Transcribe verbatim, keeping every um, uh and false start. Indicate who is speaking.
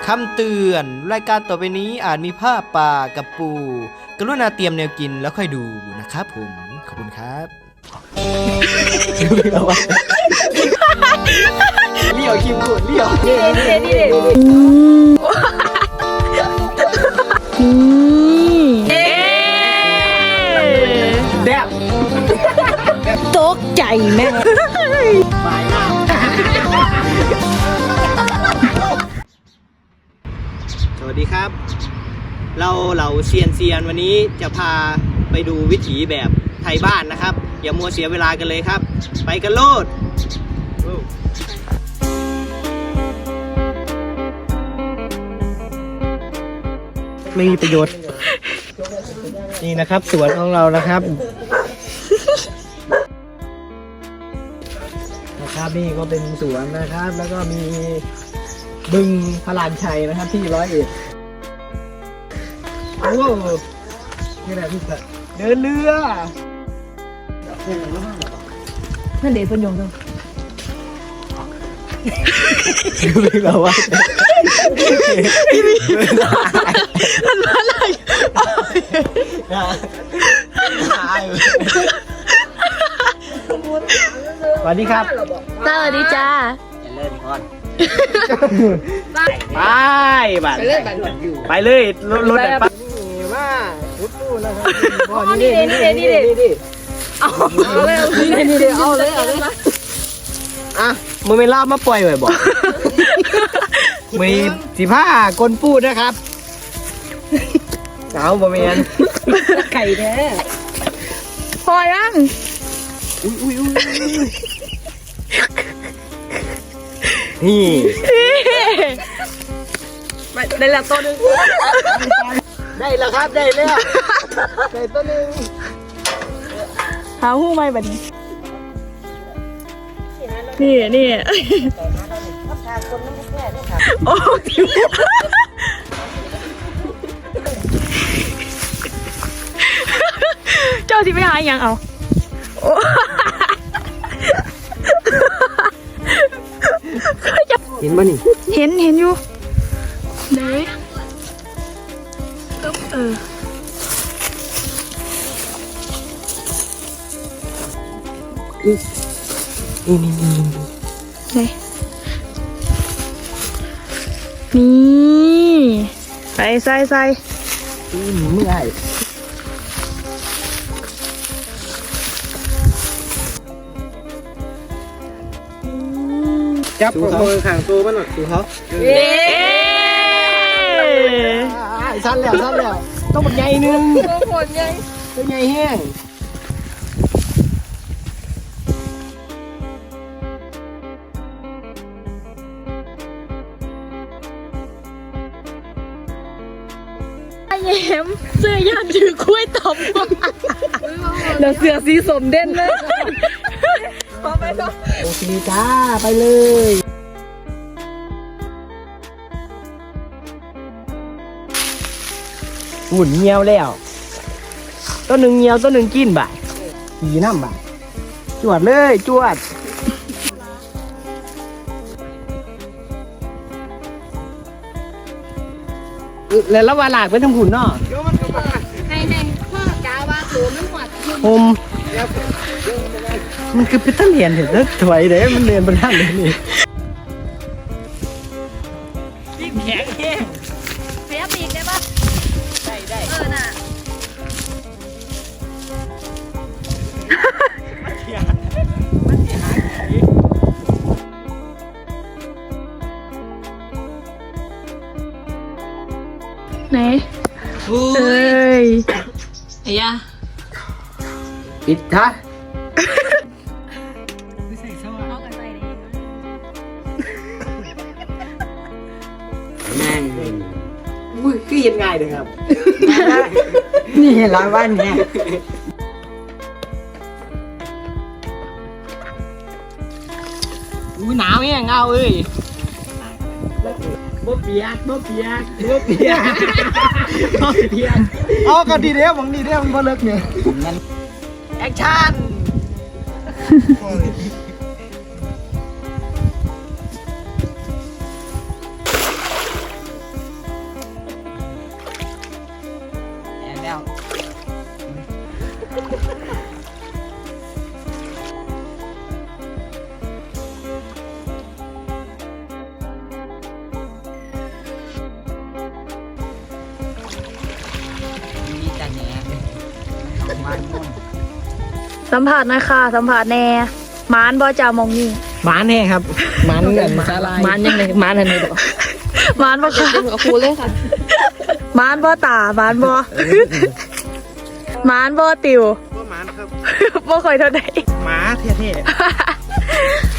Speaker 1: คำเตือนรายการต่อไปนี้อาจมีภาพป่ากับปูกรุณาเตรียมแนวกินแล้วค่อยดูนะครับผมขอบคุณครับเลี้ยวคิมพูดเลี้ยวนี่เด็ดนี่เด็ดแบบ
Speaker 2: ตกใจแม่
Speaker 1: ไปมากสวัสดีครับเราเหล่าเซียนเซียนวันนี้จะพาไปดูวิถีแบบไทยบ้านนะครับอย่ามัวเสียเวลากันเลยครับไปกันโลดไม่มีประโยชน์นี่นะครับสวนของเรานะครับนะครับนี่ก็เป็นสวนนะครับแล้วก็มีบึงพลานชัยนะครับที่ร้อยเอ็ดโอ้นี่แหละพี่สัตว์เดินเรือ
Speaker 2: นั่นเด็กพยงจัง
Speaker 1: ไม่รู้ว่า
Speaker 2: อันนั้นอะไร
Speaker 1: สวัสดีครับ
Speaker 2: สวัสดีจ้า
Speaker 1: อย่าเล่นก่อนไปบัตรไปเลยรถรถไปมาพุทธูนะครับนี่นี่นี่นี่นี่เอาเลยนี่นี่เอาเลยเอาเลยอ่ะมึงไม่ล่ามาปล่อยไว้บอกมีสิบห้ากลปูดนะครับเอาบะเมียน
Speaker 2: ไก่แท้พอยัง
Speaker 1: อุ้ยอุ้ยอุ้ยนี่
Speaker 2: ได้แล้วตัวนึง
Speaker 1: ได้แล้วครับได้แล้วได้ตัวนึง
Speaker 2: หาหู้ไหมแบบนี้นี่นี่โอ้ทิวเจ้าที่ไปหาอย่างเอา
Speaker 1: เห็นป่ะนี่
Speaker 2: เห็นเห็นอยู่ไหนเออ
Speaker 1: นี่นี่นี่
Speaker 2: ไหนนี่ใส่ใส่ใส่
Speaker 1: เมื่อยจับมือข้างตัวมันหน่อยดูเขา
Speaker 2: เย้
Speaker 1: สั้นแล้วสั้นแล้วต้องมันใหญ่นึง
Speaker 2: ตัวผลใหญ่
Speaker 1: ตัวใหญ่แห้ง
Speaker 2: แย้มเสื้อยานถือกล้วยตบแล้วเสือสีสมเด่นเลยพอไปต่อ
Speaker 1: โอเคจ้าไปเลยหุ่นเงียวแล้วต้นหนึ่งเงียวต้นหนึ่งกินบ่ายขี่น้ำบ่ายจวดเลยจวดแล้วละวาหลากไปทำหุ่นเนาะ
Speaker 2: ให้ให้พ่อกาว่าตัวมันหัว
Speaker 1: ผมมันคือเป็นต้นเรียนเห็นแล้วถอยเด้มันเรียนบนท่านเลยนี่ยิ่งแข็งแห้ง
Speaker 2: เสียปีกได้ปะ
Speaker 1: ได้ได้
Speaker 2: เออน่ะไหนเอ้ยไอ้ยา
Speaker 1: ปิดท่าแม่งอุ้ยคือยังไงเลยครับนี่ร้อยวันเนี่ยอุ้ยหนาวเนี่ยเงาเอ้ยบ่เปียกบ่เปียกบ่เปียกบ่เปียกอ๋อก็ดีเด้อผมดีเด้อมันบ่เลิกเนี่ยแอคชั่น
Speaker 2: สัมผัสหน่อยค่ะสัมผัสแน่หมานบ่จ่ามองนี่
Speaker 1: หมาแน่ครับหมันเงินสาลาย
Speaker 3: มันยังไงมันอะไรดอก
Speaker 2: หมานบ่ค่ะ
Speaker 3: กับครูเลยค่ะ
Speaker 2: หมานบ่ตาหมานบ่หมานบ่ติว
Speaker 1: ว่าหมันครับ
Speaker 2: บ่ค่อยเท่าใด
Speaker 1: หมาเท่ๆ